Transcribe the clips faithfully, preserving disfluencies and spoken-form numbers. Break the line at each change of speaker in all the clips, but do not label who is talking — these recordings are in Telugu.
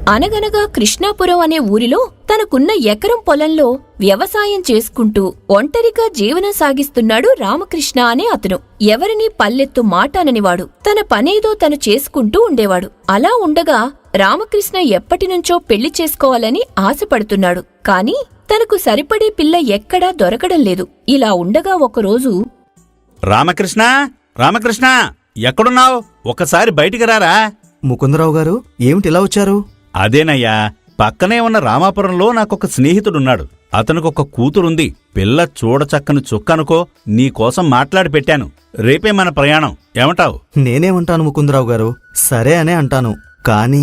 అనగనగా కృష్ణాపురం అనే ఊరిలో తనకున్న ఎకరం పొలంలో వ్యవసాయం చేసుకుంటూ ఒంటరిగా జీవనం సాగిస్తున్నాడు రామకృష్ణ అనే అతను. ఎవరినీ పల్లెత్తు మాటాననివాడు. తన పనేదో తను చేసుకుంటూ ఉండేవాడు. అలా ఉండగా రామకృష్ణ ఎప్పటినుంచో పెళ్లి చేసుకోవాలని ఆశపడుతున్నాడు. కాని తనకు సరిపడే పిల్ల ఎక్కడా దొరకడం లేదు. ఇలా ఉండగా ఒకరోజు,
రామకృష్ణ రామకృష్ణ ఎక్కడున్నావు? ఒకసారి బయటికి రారా.
ముకుందరావు గారు, ఏమిటిలా వచ్చారు?
అదేనయ్యా, పక్కనే ఉన్న రామాపురంలో నాకొక స్నేహితుడున్నాడు. అతనికొక కూతురుంది. పిల్ల చూడచక్కని చుక్కనుకో. నీకోసం మాట్లాడి పెట్టాను. రేపే మన ప్రయాణం. ఏమంటావు?
నేనేమంటాను ముకుందరావు గారు, సరే అనే అంటాను. కానీ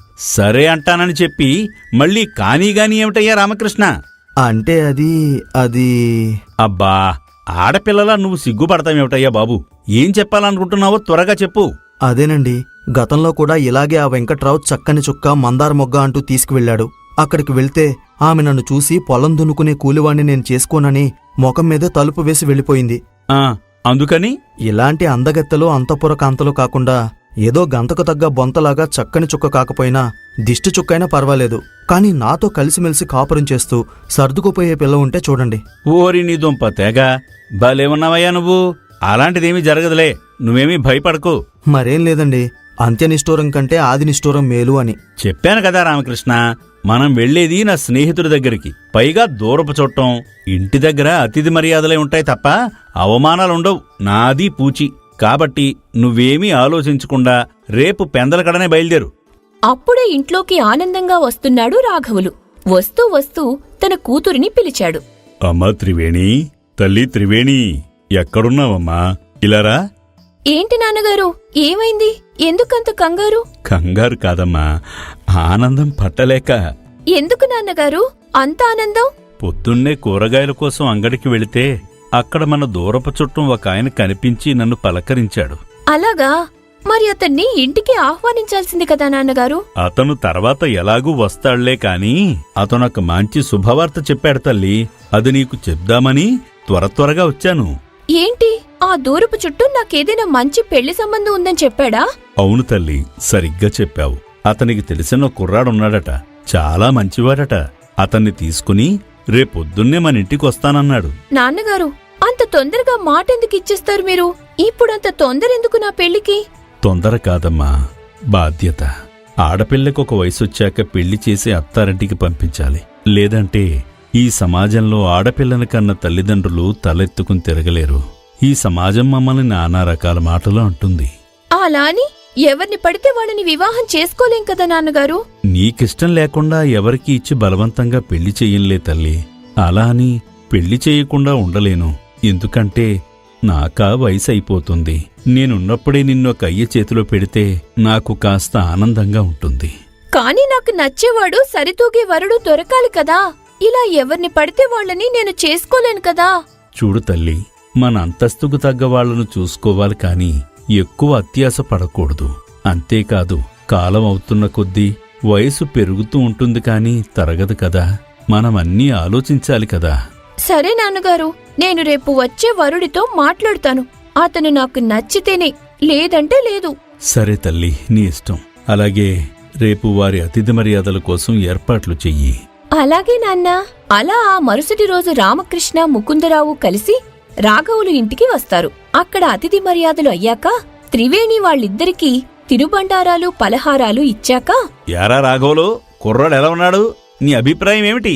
సరే అంటానని చెప్పి మళ్ళీ కానీగాని ఏమిటయ్యా రామకృష్ణ?
అంటే అది అది
అబ్బా, ఆడపిల్లలా నువ్వు సిగ్గుపడతావేమిటయ్యా బాబు? ఏం చెప్పాలనుకుంటున్నావో త్వరగా చెప్పు.
అదేనండి, గతంలో కూడా ఇలాగే ఆ వెంకట్రావు చక్కని చుక్క మందార మొగ్గ అంటూ తీసుకువెళ్లాడు. అక్కడికి వెళ్తే ఆమె నన్ను చూసి పొలం దున్నుకునే కూలివాణ్ణి నేను చేసుకోనని ముఖం మీదే తలుపు వేసి వెళ్ళిపోయింది.
ఆ అందుకని
ఇలాంటి అందగత్తెలు అంతఃపుర కాంతలు కాకుండా ఏదో గంతకు తగ్గ బొంతలాగా చక్కని చుక్క కాకపోయినా దిష్టి చుక్కైనా పర్వాలేదు, కాని నాతో కలిసిమెలిసి కాపురం చేస్తూ సర్దుకుపోయే పిల్ల ఉంటే చూడండి.
ఓరి నీ దుంప తెగ భలేవున్నావయ్యా నువ్వు. అలాంటిదేమీ జరగదులే, నువ్వేమీ భయపడకు.
మరేం లేదండి, అంత్యనిష్ఠూరం కంటే ఆది నిష్ఠూరం మేలు అని
చెప్పాను కదా రామకృష్ణ. మనం వెళ్లేది నా స్నేహితుడి దగ్గరికి. పైగా దూరపు చుట్టం. ఇంటి దగ్గర అతిథి మర్యాదలే ఉంటాయి తప్ప అవమానాలుండవు. నాది పూచి. కాబట్టి నువ్వేమీ ఆలోచించకుండా రేపు పెందలకడనే బయలుదేరు.
అప్పుడే ఇంట్లోకి ఆనందంగా వస్తున్నాడు రాఘవులు. వస్తూ వస్తూ తన కూతురిని పిలిచాడు.
అమ్మా త్రివేణి, తల్లి త్రివేణి, ఎక్కడున్నావమ్మా? ఇలారా.
ఏంటి నాన్నగారు, ఏమైంది? ఎందుకంత కంగారు?
కంగారు కాదమ్మా, ఆనందం పట్టలేక.
ఎందుకు నాన్నగారు అంత ఆనందం?
పొద్దున్నే కూరగాయల కోసం అంగడికి వెళితే అక్కడ మన దూరపు చుట్టం ఒక ఆయన కనిపించి నన్ను పలకరించాడు.
అలాగా? మరి అతన్ని ఇంటికి ఆహ్వానించాల్సింది కదా నాన్నగారు?
అతను తర్వాత ఎలాగూ వస్తాళ్లే కాని అతనొక మంచి శుభవార్త చెప్పాడు తల్లి. అది నీకు చెప్దామని త్వర త్వరగా వచ్చాను.
ఏంటి? ఆ దూరపు చుట్టూ నాకేదైనా మంచి పెళ్లి సంబంధం ఉందని చెప్పాడా?
అవును తల్లి, సరిగ్గా చెప్పావు. అతనికి తెలిసిన కుర్రాడున్నాడట, చాలా మంచివాడట. అతన్ని తీసుకుని రేపొద్దున్నే మన ఇంటికి వస్తానన్నాడు.
నాన్నగారు, అంత తొందరగా మాటెందుకు ఇచ్చేస్తారు మీరు? ఇప్పుడంత తొందరెందుకు నా పెళ్లికి?
తొందర కాదమ్మా, బాధ్యత. ఆడపిల్లకొక వయసొచ్చాక పెళ్లి చేసి అత్తారింటికి పంపించాలి. లేదంటే ఈ సమాజంలో ఆడపిల్లని కన్న తల్లిదండ్రులు తలెత్తుకుని తిరగలేరు. ఈ సమాజం మమ్మల్ని నానా రకాల మాటలు అంటుంది.
అలా అని ఎవరిని పడితే వాళ్ళని వివాహం చేసుకోలేం కదా నాన్నగారు?
నీకిష్టం లేకుండా ఎవరికి ఇచ్చి బలవంతంగా పెళ్లి చెయ్యంలే తల్లి. అలా అని పెళ్లి చేయకుండా ఉండలేను. ఎందుకంటే నాకా వయసైపోతుంది. నేనున్నప్పుడే నిన్నొక అయ్య చేతిలో పెడితే నాకు కాస్త ఆనందంగా ఉంటుంది.
కాని నాకు నచ్చేవాడు సరితూగే వరుడు దొరకాలి కదా. ఇలా ఎవరిని పడితే వాళ్ళని నేను చేసుకోలేను కదా.
చూడు తల్లి, మన అంతస్తుకు తగ్గ వాళ్లను చూసుకోవాలి కాని ఎక్కువ అత్యాశ పడకూడదు. అంతేకాదు, కాలం అవుతున్న కొద్దీ వయసు పెరుగుతూ ఉంటుంది కాని తరగదు కదా. మనమన్నీ ఆలోచించాలి కదా.
సరే నాన్నగారు, నేను రేపు వచ్చే వరుడితో మాట్లాడుతాను. అతను నాకు నచ్చితేనే, లేదంటే లేదు.
సరే తల్లి, నీ ఇష్టం. అలాగే రేపు వారి అతిథి మర్యాదల కోసం ఏర్పాట్లు చెయ్యి.
అలాగే నాన్నా. అలా ఆ మరుసటి రోజు రామకృష్ణ, ముకుందరావు కలిసి రాఘవులు ఇంటికి వస్తారు. అక్కడ అతిథి మర్యాదలు అయ్యాక త్రివేణి వాళ్ళిద్దరికీ తినుబండారాలు, పలహారాలు ఇచ్చాక,
యారా రాఘవులు, కుర్రాడు ఎలా ఉన్నాడు? నీ అభిప్రాయం ఏమిటి?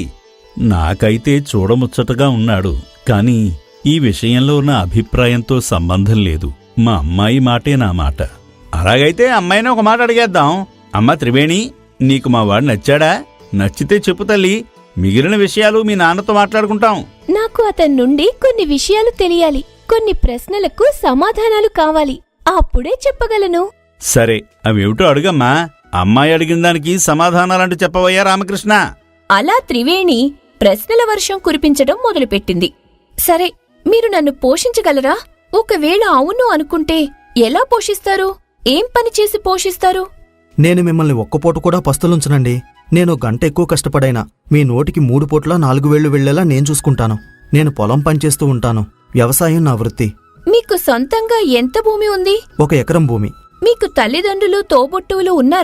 నాకైతే చూడముచ్చటగా ఉన్నాడు. కాని ఈ విషయంలో నా అభిప్రాయంతో సంబంధం లేదు. మా అమ్మాయి మాటే నా మాట. అలాగైతే అమ్మాయిని ఒక మాట అడిగేద్దాం. అమ్మా త్రివేణి, నీకు మా వాడు నచ్చాడా? నచ్చితే చెప్పు తల్లి, మిగిలిన విషయాలు మీ నాన్నతో మాట్లాడుకుంటాం.
నాకు అతని నుండి కొన్ని విషయాలు తెలియాలి. కొన్ని ప్రశ్నలకు సమాధానాలు కావాలి. అప్పుడే చెప్పగలను.
సరే, అవేమిటో అడుగమ్మా. అమ్మాయి అడిగిన దానికి సమాధానాలంటూ చెప్పవయ్యా రామకృష్ణ.
అలా త్రివేణి ప్రశ్నల వర్షం కురిపించడం మొదలుపెట్టింది. సరే, మీరు నన్ను పోషించగలరా? ఒకవేళ అవును అనుకుంటే ఎలా పోషిస్తారు? ఏం పని చేసి పోషిస్తారు?
నేను మిమ్మల్ని ఒక్కపూట కూడా పస్తులుంచనండి. నేను గంట ఎక్కువ కష్టపడైనా మీ నోటికి మూడు పూట్ల నాలుగు వేళ్లు వెళ్లేలా నేను చూసుకుంటాను. నేను పొలం పనిచేస్తూ ఉంటాను. వ్యవసాయం నా వృత్తి.
మీకు సొంతంగా ఎంత భూమి ఉంది?
ఒక ఎకరం భూమి.
మీకు తల్లిదండ్రులు, తోబుట్టువులు ఉన్నారా?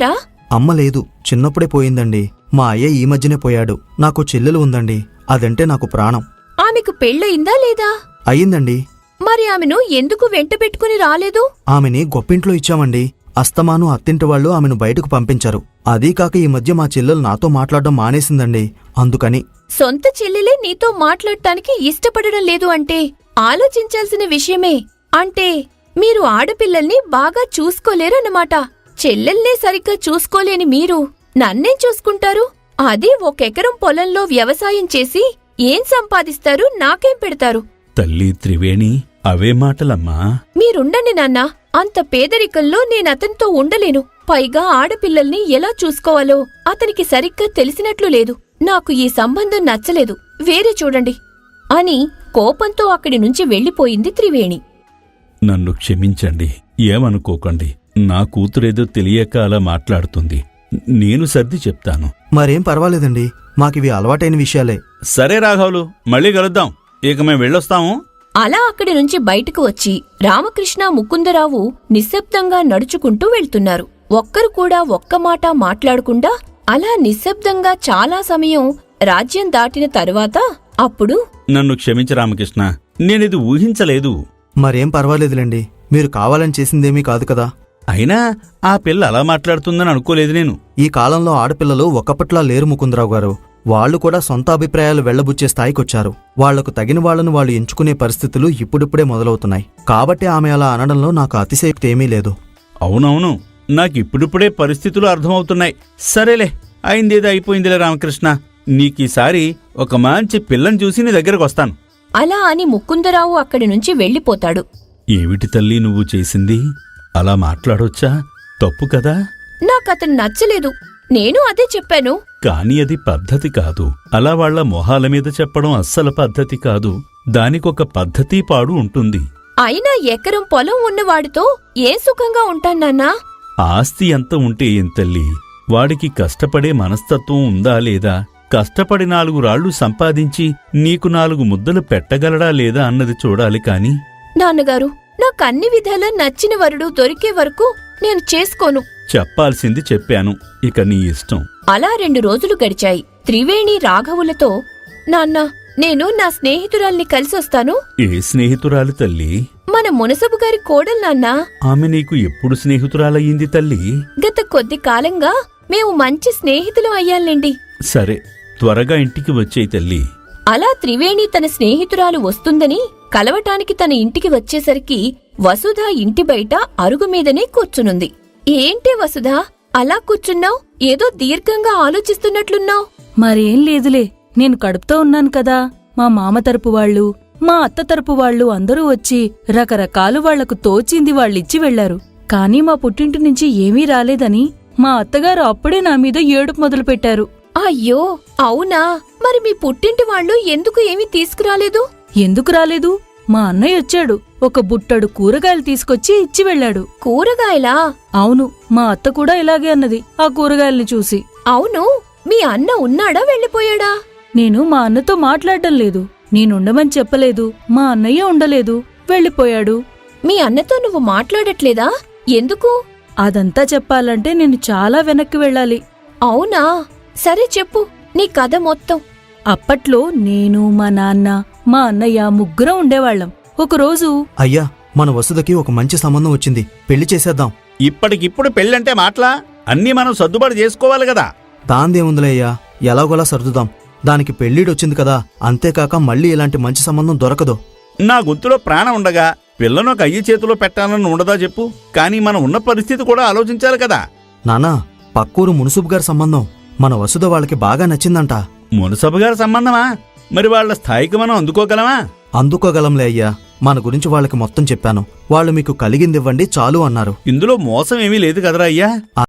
అమ్మ లేదు, చిన్నప్పుడే పోయిందండి. మా అయ్య ఈ మధ్యనే పోయాడు. నాకు చెల్లెలు ఉందండి, అదంటే నాకు ప్రాణం.
ఆమెకు పెళ్ళయిందా లేదా?
అయ్యిందండి.
మరి ఆమెను ఎందుకు వెంట పెట్టుకుని రాలేదు?
ఆమెని గొప్పింట్లో ఇచ్చామండి. అస్తమాను అత్తింటి వాళ్ళు ఆమెను బయటకు పంపించారు. అదీ కాక ఈ మధ్య మా చెల్లెలు నాతో మాట్లాడడం మానేసిందండి, అందుకని.
సొంత చెల్లెలే నీతో మాట్లాడటానికి ఇష్టపడడం లేదు అంటే ఆలోచించాల్సిన విషయమే. అంటే మీరు ఆడపిల్లల్ని బాగా చూసుకోలేరన్నమాట. చెల్లెల్నే సరిగ్గా చూసుకోలేని మీరు నన్నేం చూసుకుంటారు? అది ఒకెకరం పొలంలో వ్యవసాయం చేసి ఏం సంపాదిస్తారు, నాకేం పెడతారు?
తల్లి త్రివేణి, అవే మాటలమ్మా.
మీరుండండి నాన్నా. అంత పేదరికంలో నేనతనితో ఉండలేను. పైగా ఆడపిల్లల్ని ఎలా చూసుకోవాలో అతనికి సరిగ్గా తెలిసినట్లు లేదు. నాకు ఈ సంబంధం నచ్చలేదు, వేరే చూడండి అని కోపంతో అక్కడి నుంచి వెళ్లిపోయింది త్రివేణి.
నన్ను క్షమించండి, ఏమనుకోకండి. నా కూతురేదో తెలియక అలా మాట్లాడుతుంది. నేను సర్ది చెప్తాను.
మరేం పర్వాలేదండి, మాకివి అలవాటైన విషయాలే.
సరే రాఘవులు, మళ్ళీ కలుద్దాం. ఇక మేం వెళ్ళొస్తాము.
అలా అక్కడి నుంచి బయటకు వచ్చి రామకృష్ణ, ముకుందరావు నిశ్శబ్దంగా నడుచుకుంటూ వెళ్తున్నారు. ఒక్కరు కూడా ఒక్క మాట మాట్లాడకుండా అలా నిశ్శబ్దంగా చాలా సమయం రాజ్యం దాటిన తరువాత అప్పుడు,
నన్ను క్షమించ రామకృష్ణ, నేనిది ఊహించలేదు.
మరేం పర్వాలేదులేండి, మీరు కావాలని చేసిందేమీ కాదు కదా.
అయినా ఆ పిల్ల అలా మాట్లాడుతుందని అనుకోలేదు నేను.
ఈ కాలంలో ఆడపిల్లలు ఒకప్పట్లా లేరు ముకుందరావు గారు. వాళ్లు కూడా సొంత అభిప్రాయాలు వెళ్లబుచ్చే స్థాయికొచ్చారు. వాళ్లకు తగిన వాళ్లను వాళ్ళు ఎంచుకునే పరిస్థితులు ఇప్పుడిప్పుడే మొదలవుతున్నాయి. కాబట్టి ఆమె అలా అనడంలో నాకు అతిశయోక్తి ఏమీ లేదు.
అవునవును, నాకిప్పుడిప్పుడే పరిస్థితులు అర్థమవుతున్నాయి. సరేలే, అయిందేదో అయిపోయిందిలే రామకృష్ణ. నీకీసారి ఒక మంచి పిల్లని చూసి నీ దగ్గరకు వస్తాను.
అలా అని ముకుందరావు అక్కడి నుంచి వెళ్లిపోతాడు.
ఏమిటి తల్లి నువ్వు చేసింది? అలా మాట్లాడొచ్చా? తప్పు కదా?
నాకతను నచ్చలేదు, నేను అదే చెప్పాను.
కాని అది పద్ధతి కాదు. అలా వాళ్ల మొహాల మీద చెప్పడం అస్సలు పద్ధతి కాదు. దానికొక పద్ధతి పాడు ఉంటుంది.
అయినా ఎకరం పొలం ఉన్నవాడితో ఏ సుఖంగా ఉంటానన్నా?
ఆస్తి ఎంత ఉంటే ఏం తల్లి, వాడికి కష్టపడే మనస్తత్వం ఉందా లేదా? కష్టపడి నాలుగు రాళ్లు సంపాదించి నీకు నాలుగు ముద్దలు పెట్టగలడా లేదా అన్నది చూడాలి కాని.
నాన్నగారు, నాకన్ని విధాలా నచ్చిన వరుడు దొరికే వరకు నేను చేసుకోను.
చెప్పాల్సింది చెప్పాను, ఇక నీ ఇష్టం.
అలా రెండు రోజులు గడిచాయి. త్రివేణి రాఘవులతో, నాన్న, నేను నా స్నేహితురాల్ని కలిసొస్తాను.
ఏ స్నేహితురాలు తల్లి?
మన మునసబు గారి కోడలు నాన్నా.
ఆమె నీకు ఎప్పుడు స్నేహితురాలయ్యింది తల్లి?
గత కొద్ది కాలంగా మేము మంచి స్నేహితులం అయ్యాలండి.
సరే, త్వరగా ఇంటికి వచ్చేయి తల్లి.
అలా త్రివేణి తన స్నేహితురాలు వస్తుందని కలవటానికి తన ఇంటికి వచ్చేసరికి వసుధ ఇంటి బయట అరుగుమీదనే కూర్చునుంది. ఏంటి వసుధ, అలా కూర్చున్నావ్? ఏదో దీర్ఘంగా ఆలోచిస్తున్నట్లున్నావ్.
మరేం లేదులే, నేను కడుపుతో ఉన్నాను కదా. మా మామ తరపు వాళ్ళు, మా అత్త తరపు వాళ్ళు అందరూ వచ్చి రకరకాలు వాళ్లకు తోచింది వాళ్ళిచ్చి వెళ్లారు. కాని మా పుట్టింటి నుంచి ఏమీ రాలేదని మా అత్తగారు అప్పుడే నా మీద ఏడుపు మొదలుపెట్టారు.
అయ్యో, అవునా? మరి మీ పుట్టింటి వాళ్ళు ఎందుకు ఏమీ తీసుకురాలేదు?
ఎందుకు రాలేదు? మా అన్నయ్య వచ్చాడు, ఒక బుట్టడు కూరగాయలు తీసుకొచ్చి ఇచ్చి వెళ్లాడు.
కూరగాయలా?
అవును, మా అత్త కూడా ఇలాగే అన్నది ఆ కూరగాయల్ని చూసి.
అవును, మీ అన్న ఉన్నాడా, వెళ్ళిపోయాడా?
నేను మా అన్నతో మాట్లాడడం లేదు. నేనుండమని చెప్పలేదు, మా అన్నయ్య ఉండలేదు, వెళ్ళిపోయాడు.
మీ అన్నతో నువ్వు మాట్లాడట్లేదా? ఎందుకు?
అదంతా చెప్పాలంటే నేను చాలా వెనక్కి వెళ్ళాలి.
అవునా? సరే చెప్పు నీ కథ మొత్తం.
అప్పట్లో నేను, మా నాన్న, మా అన్నయ్య ముగ్గురం ఉండేవాళ్లం. ఒకరోజు,
అయ్యా, మన వసుధకి ఒక మంచి సంబంధం వచ్చింది, పెళ్లి చేసేద్దాం.
ఇప్పటికిప్పుడు పెళ్ళంటే మాటలా? అన్నీ మనం సర్దుబాటు చేసుకోవాలి కదా.
దాందేముందిలే అయ్యా, ఎలాగోలా సర్దుదాం. దానికి పెళ్లిడొచ్చింది కదా, అంతేకాక మళ్ళీ ఇలాంటి మంచి సంబంధం దొరకదు.
నా గొంతులో ప్రాణం ఉండగా పిల్లను ఒక అయ్యి చేతిలో పెట్టాలని ఉండదా చెప్పు? కానీ మనం ఉన్న పరిస్థితి కూడా ఆలోచించాలి కదా.
నానా, పక్కూరు మునుసుబు గారి సంబంధం మన వసుధ వాళ్ళకి బాగా నచ్చిందంట.
మునసబు గారి సంబంధమా? మరి వాళ్ల స్థాయికి మనం అందుకోగలమా?
అందుకోగలంలే అయ్యా, మన గురించి వాళ్ళకి మొత్తం చెప్పాను. వాళ్ళు మీకు కలిగిందివ్వండి చాలు అన్నారు.
ఇందులో మోసం ఏమీ లేదు కదరా అయ్యా.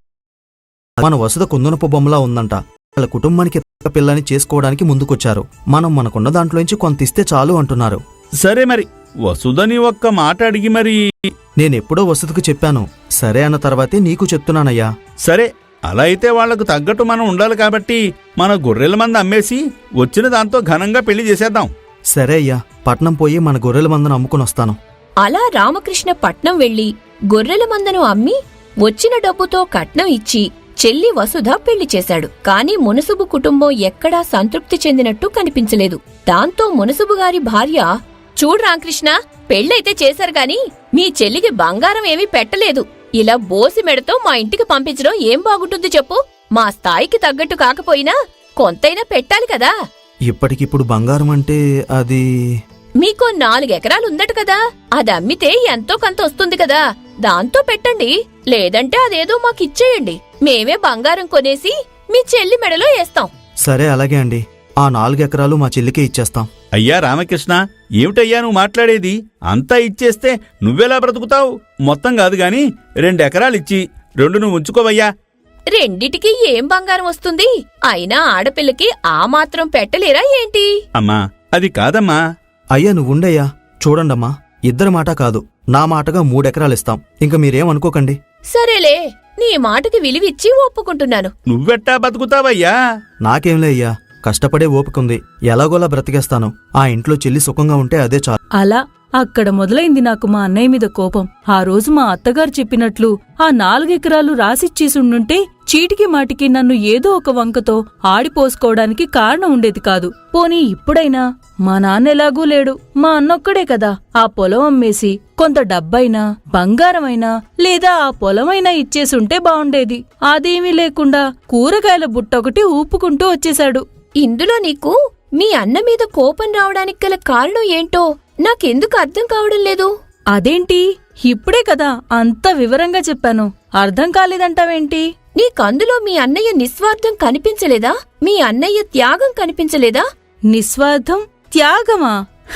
మన వసుధ కుందనపు బొమ్మలా ఉందంట. వాళ్ళ కుటుంబానికి పిల్లని చేసుకోవడానికి ముందుకొచ్చారు. మనం మనకున్న దాంట్లోంచి కొంత ఇస్తే చాలు అంటున్నారు.
సరే, మరి వసుధని ఒక్క మాట అడిగి మరి.
నేనెప్పుడో వసుధకు చెప్పాను, సరే అన్న తర్వాతే నీకు చెప్తున్నానయ్యా.
సరే, అలా అయితే వాళ్లకు తగ్గట్టు మనం ఉండాలి కాబట్టి మన గొర్రెల మంద అమ్మేసి వచ్చిన దాంతో ఘనంగా పెళ్లి చేసేద్దాం.
సరే అయ్యా, పట్నం పోయి మన గొర్రెల మందను అమ్ముకునొస్తాను.
అలా రామకృష్ణ పట్నం వెళ్లి గొర్రెల మందను అమ్మి వచ్చిన డబ్బుతో కట్నం ఇచ్చి చెల్లి వసుధ పెళ్లి చేశాడు. కాని మునసుబు కుటుంబం ఎక్కడా సంతృప్తి చెందినట్టు కనిపించలేదు. దాంతో మునసుబు గారి భార్య, చూడు రామకృష్ణ, పెళ్ళైతే చేశారు గాని మీ చెల్లికి బంగారం ఏమీ పెట్టలేదు. ఇలా బోసి మెడతో మా ఇంటికి పంపించడం ఏం బాగుంటుంది చెప్పు? మా స్థాయికి తగ్గట్టు కాకపోయినా కొంతైనా పెట్టాలి కదా.
ఇప్పటికిప్పుడు బంగారం అంటే అది
మీకో నాలుగెకరాలుందట కదా, అది అమ్మితే ఎంతో కొంత వస్తుంది కదా, దాంతో పెట్టండి. లేదంటే అదేదో మాకిచ్చేయండి. మేమే బంగారం కొనేసి మీ చెల్లి మెడలో వేస్తాం.
సరే అలాగే అండి, ఆ నాలుగెకరాలు మా చెల్లికే ఇచ్చేస్తాం.
అయ్యా రామకృష్ణ, ఏమిటయ్యా నువ్వు మాట్లాడేది? అంతా ఇచ్చేస్తే నువ్వెలా బ్రతుకుతావు? మొత్తం కాదు గాని రెండెకరాలిచ్చి రెండు నువ్వు ఉంచుకోవయ్యా.
రెండిటికి ఏం బంగారం వస్తుంది? అయినా ఆడపిల్లకి ఆ మాత్రం పెట్టలేరా ఏంటి?
అమ్మా, అది కాదమ్మా.
అయ్యా నువ్వుండయ్యా, చూడండమ్మా, ఇద్దరి మాట కాదు, నా మాటగా మూడెకరాలిస్తాం. ఇంక మీరేమనుకోకండి.
సరేలే, నీ మాటకి విలువిచ్చి ఒప్పుకుంటున్నాను.
నువ్వెట్టా బతుకుతావయ్యా?
నాకేంలే అయ్యా, కష్టపడే ఓపికంది, ఎలాగోలా బ్రతికేస్తాను. ఆ ఇంట్లో చెల్లి సుఖంగా ఉంటే అదే చాలు.
అలా అక్కడ మొదలైంది నాకు మా అన్నయ్య మీద కోపం. ఆ రోజు మా అత్తగారు చెప్పినట్లు ఆ నాలుగెకరాలు రాసిచ్చేసుండుంటే చీటికి మాటికి నన్ను ఏదో ఒక వంకతో ఆడిపోసుకోవడానికి కారణం ఉండేది కాదు. పోనీ ఇప్పుడైనా మా నాన్న ఎలాగూ లేడు, మా అన్నొక్కడే కదా, ఆ పొలం అమ్మేసి కొంత డబ్బైనా బంగారమైనా లేదా ఆ పొలమైనా ఇచ్చేసుంటే బావుండేది. అదేమీ లేకుండా కూరగాయల బుట్టొకటి ఊపుకుంటూ వచ్చేశాడు.
ఇందులో నీకు మీ అన్న మీద కోపం రావడానికి గల కారణం ఏంటో నాకెందుకు అర్థం కావడం లేదు.
అదేంటి, ఇప్పుడే కదా అంత వివరంగా చెప్పాను, అర్థం కాలేదంటావేంటి?
నీకందులో మీ అన్నయ్య నిస్వార్థం కనిపించలేదా? మీ అన్నయ్య త్యాగం కనిపించలేదా?
నిస్వార్థం, త్యాగమా?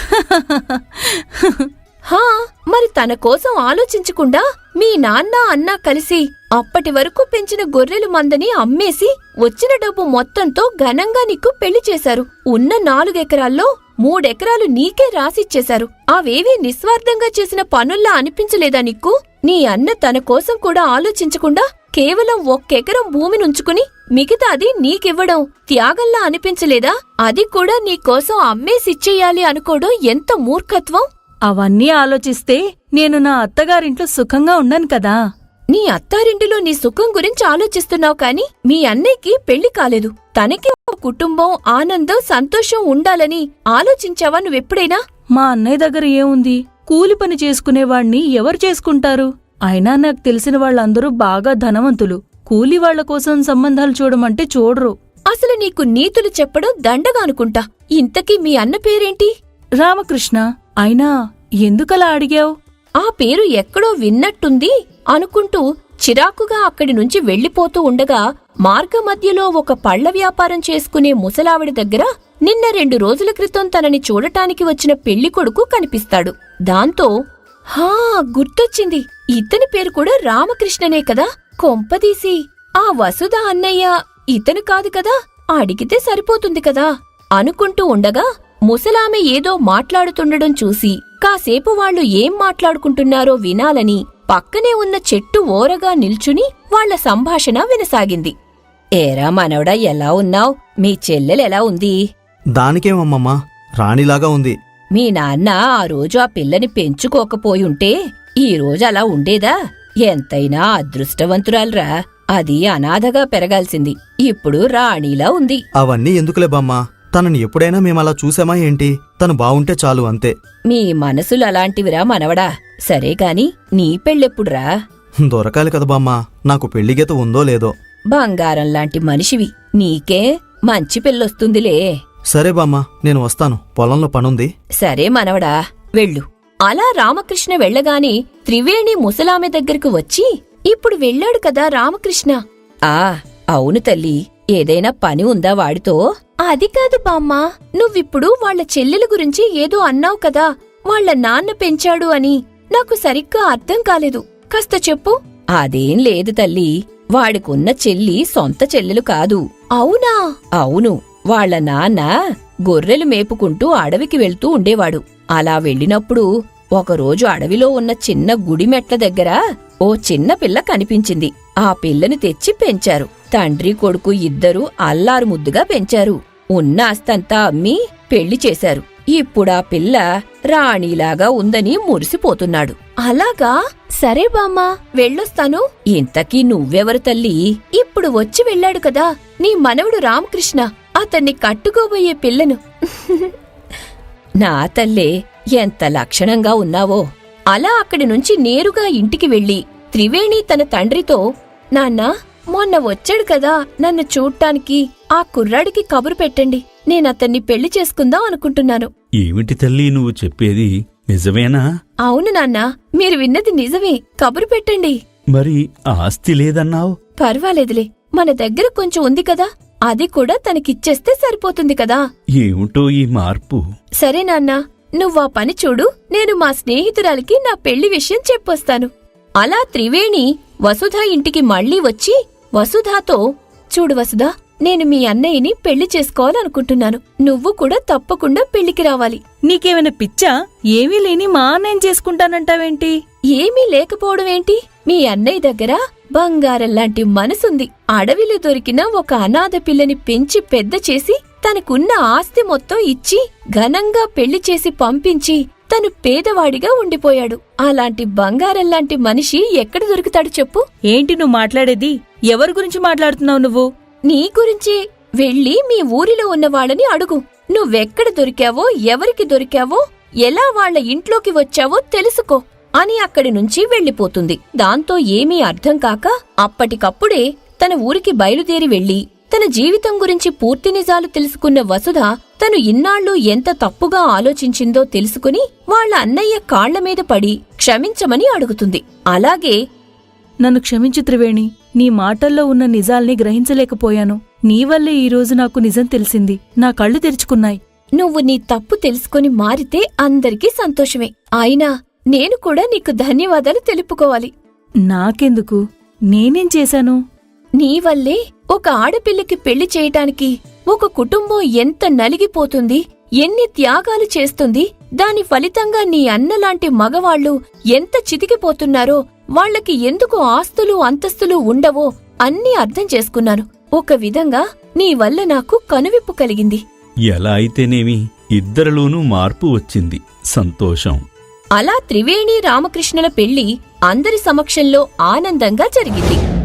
హా, మరి తన కోసం ఆలోచించకుండా మీ నాన్న అన్నా కలిసి అప్పటి వరకు పెంచిన గొర్రెలు మందని అమ్మేసి వచ్చిన డబ్బు మొత్తంతో ఘనంగా నీకు పెళ్లి చేశారు. ఉన్న నాలుగెకరాల్లో మూడెకరాలు నీకే రాసిచ్చేశారు. అవేవీ నిస్వార్థంగా చేసిన పనుల్లా అనిపించలేదా నీకు? నీ అన్న తన కోసం కూడా ఆలోచించకుండా కేవలం ఒక్కెకరం భూమినుంచుకుని మిగతాది నీకివ్వడం త్యాగంలా అనిపించలేదా? అది కూడా నీకోసం అమ్మేసిచ్చేయాలి అనుకోవడం ఎంత మూర్ఖత్వం!
అవన్నీ ఆలోచిస్తే నేను నా అత్తగారింట్లో సుఖంగా ఉండను కదా.
నీ అత్తారింటిలో నీ సుఖం గురించి ఆలోచిస్తున్నావు కాని మీ అన్నయ్యకి పెళ్లి కాలేదు. తనకి ఒక కుటుంబం, ఆనందం, సంతోషం ఉండాలని ఆలోచించావా నువ్వెప్పుడైనా?
మా అన్నయ్య దగ్గర ఏముంది? కూలి పని చేసుకునేవాణ్ణి ఎవరు చేసుకుంటారు? అయినా నాకు తెలిసిన వాళ్ళందరూ బాగా ధనవంతులు. కూలి వాళ్ల కోసం సంబంధాలు చూడమంటే చూడరు.
అసలు నీకు నీతులు చెప్పడం దండగా అనుకుంటా. ఇంతకీ మీ అన్న పేరేంటి?
రామకృష్ణ. అయినా ఎందుకలా అడిగావు?
ఆ పేరు ఎక్కడో విన్నట్టుంది అనుకుంటూ చిరాకుగా అక్కడి నుంచి వెళ్లిపోతూ ఉండగా మార్గమధ్యలో ఒక పళ్ల వ్యాపారం చేసుకునే ముసలావిడ దగ్గర నిన్న రెండు రోజుల క్రితం తనని చూడటానికి వచ్చిన పెళ్లికొడుకు కనిపిస్తాడు. దాంతో హా, గుర్తొచ్చింది, ఇతని పేరు కూడా రామకృష్ణనే కదా. కొంపదీసి ఆ వసుధ అన్నయ్య ఇతను కాదు కదా, అడిగితే సరిపోతుంది కదా అనుకుంటూ ఉండగా ముసలామె ఏదో మాట్లాడుతుండడం చూసి కాసేపు వాళ్లు ఏం మాట్లాడుకుంటున్నారో వినాలని పక్కనే ఉన్న చెట్టు ఓరగా నిల్చుని వాళ్ల సంభాషణ వినసాగింది. ఏరా మనవడా, ఎలా ఉన్నావ్? మీ చెల్లెలెలా ఉంది?
దానికేమమ్మమ్మా, రాణిలాగా ఉంది.
మీ నాన్న ఆ రోజు ఆ పిల్లని పెంచుకోకపోయుంటే ఈ రోజు అలా ఉండేదా? ఎంతైనా అదృష్టవంతురాల్రా. అది అనాథగా పెరగాల్సింది, ఇప్పుడు రాణిలా ఉంది.
అవన్నీ ఎందుకులే బామ్మా, తనని ఎప్పుడైనా మేమలా చూసామా ఏంటి? తను బావుంటే చాలు, అంతే.
మీ మనసులు అలాంటివిరా మనవడా. సరే కాని నీ పెళ్ళెప్పుడురా?
దొరకాలి కదా బామ్మా, నాకు పెళ్లిగీత ఉందో లేదో.
బంగారం లాంటి మనిషివి, నీకే మంచి పెళ్ళొస్తుందిలే.
సరే బామ్మా, నేను వస్తాను, పొలంలో పనుంది.
సరే మనవడా, వెళ్ళు. అలా రామకృష్ణ వెళ్లగానే త్రివేణి ముసలామె దగ్గరకు వచ్చి, ఇప్పుడు వెళ్ళాడు కదా రామకృష్ణ. ఆ అవును తల్లి, ఏదైనా పని ఉందా వాడితో? అది కాదు బామ్మా, నువ్విప్పుడు వాళ్ల చెల్లెల గురించి ఏదో అన్నావు కదా, వాళ్ల నాన్న పెంచాడు అని. నాకు సరిగ్గా అర్థం కాలేదు, కాస్త చెప్పు. అదేం లేదు తల్లి, వాడికున్న చెల్లి సొంత చెల్లెలు కాదు. అవునా? అవును. వాళ్ల నాన్న గొర్రెలు మేపుకుంటూ అడవికి వెళ్తూ ఉండేవాడు. అలా వెళ్ళినప్పుడు ఒకరోజు అడవిలో ఉన్న చిన్న గుడి మెట్ల దగ్గర ఓ చిన్న పిల్ల కనిపించింది. ఆ పిల్లని తెచ్చి పెంచారు. తండ్రి కొడుకు ఇద్దరూ అల్లారు ముద్దుగా పెంచారు. ఉన్న ఆస్తంతా అమ్మి పెళ్లి చేశారు. ఇప్పుడా పిల్ల రాణిలాగా ఉందని మురిసిపోతున్నాడు. అలాగా, సరే బామ్మా, వెళ్ళొస్తాను. ఇంతకీ నువ్వెవరు తల్లి? ఇప్పుడు వచ్చి వెళ్ళాడు కదా నీ మనవడు రామకృష్ణ, అతన్ని కట్టుకోబోయే పిల్లను. నా తల్లే, ఎంత లక్షణంగా ఉన్నావో. అలా అక్కడి నుంచి నేరుగా ఇంటికి వెళ్లి త్రివేణి తన తండ్రితో, నాన్నా, మొన్న వచ్చాడు కదా నన్ను చూడ్టానికి, ఆ కుర్రాడికి కబురు పెట్టండి, నేనతన్ని పెళ్లి చేసుకుందాం అనుకుంటున్నాను.
ఏమిటి తల్లి నువ్వు చెప్పేది, నిజమేనా?
అవును నాన్నా, మీరు విన్నది నిజమే, కబురు పెట్టండి.
మరి ఆస్తి లేదన్నావు?
పర్వాలేదులే, మన దగ్గర కొంచెం ఉంది కదా, అది కూడా తనకిచ్చేస్తే సరిపోతుంది కదా.
ఏమిటో ఈ మార్పు?
సరే నాన్నా, నువ్వా పని చూడు, నేను మా స్నేహితురాలికి నా పెళ్లి విషయం చెప్పొస్తాను. అలా త్రివేణి వసుధ ఇంటికి మళ్లీ వచ్చి వసుధాతో, చూడు వసుధా, నేను మీ అన్నయ్యని పెళ్లి చేసుకోవాలనుకుంటున్నాను, నువ్వు కూడా తప్పకుండా పెళ్లికి రావాలి.
నీకేమైనా పిచ్చా? ఏమీ లేని మా అన్నయ్యం చేసుకుంటానంటావేంటి?
ఏమీ లేకపోవడమేంటి? మీ అన్నయ్య దగ్గర బంగారంలాంటి మనసుంది. అడవిలో దొరికిన ఒక అనాథ పిల్లని పెంచి పెద్ద చేసి తనకున్న ఆస్తి మొత్తం ఇచ్చి ఘనంగా పెళ్లి చేసి పంపించి తను పేదవాడిగా ఉండిపోయాడు. అలాంటి బంగారంలాంటి మనిషి ఎక్కడ దొరుకుతాడు చెప్పు?
ఏంటి నువ్వు మాట్లాడేది? ఎవరి గురించి మాట్లాడుతున్నావు నువ్వు?
నీ గురించే. వెళ్ళి మీ ఊరిలో ఉన్న వాళ్ళని అడుగు. నువ్వెక్కడ దొరికావో, ఎవరికి దొరికావో, ఎలా వాళ్ల ఇంట్లోకి వచ్చావో తెలుసుకో అని అక్కడి నుంచి వెళ్లిపోతుంది. దాంతో ఏమీ అర్థం కాక అప్పటికప్పుడే తన ఊరికి బయలుదేరి వెళ్లి తన జీవితం గురించి పూర్తి నిజాలు తెలుసుకున్న వసుధ తను ఇన్నాళ్లు ఎంత తప్పుగా ఆలోచించిందో తెలుసుకుని వాళ్ల అన్నయ్య కాళ్లమీద పడి క్షమించమని అడుగుతుంది. అలాగే,
నన్ను క్షమించు త్రివేణి, నీ మాటల్లో ఉన్న నిజాల్ని గ్రహించలేకపోయాను. నీవల్లే ఈరోజు నాకు నిజం తెలిసింది, నా కళ్ళు తెరుచుకున్నాయి.
నువ్వు నీ తప్పు తెలుసుకుని మారితే అందరికీ సంతోషమే. అయినా నేను కూడా నీకు ధన్యవాదాలు తెలుపుకోవాలి.
నాకెందుకు? నేనేం చేశాను?
నీవల్లే ఒక ఆడపిల్లకి పెళ్లి చేయటానికి ఒక కుటుంబం ఎంత నలిగిపోతుంది, ఎన్ని త్యాగాలు చేస్తుంది, దాని ఫలితంగా నీ అన్నలాంటి మగవాళ్లు ఎంత చితికిపోతున్నారో, వాళ్లకి ఎందుకు ఆస్తులు అంతస్తులు ఉండవో అన్నీ అర్థం చేసుకున్నాను. ఒక విధంగా నీ వల్ల నాకు కనువిప్పు కలిగింది.
ఎలా అయితేనేమి ఇద్దరిలోనూ మార్పు వచ్చింది, సంతోషం.
అలా త్రివేణి రామకృష్ణుల పెళ్లి అందరి సమక్షంలో ఆనందంగా జరిగింది.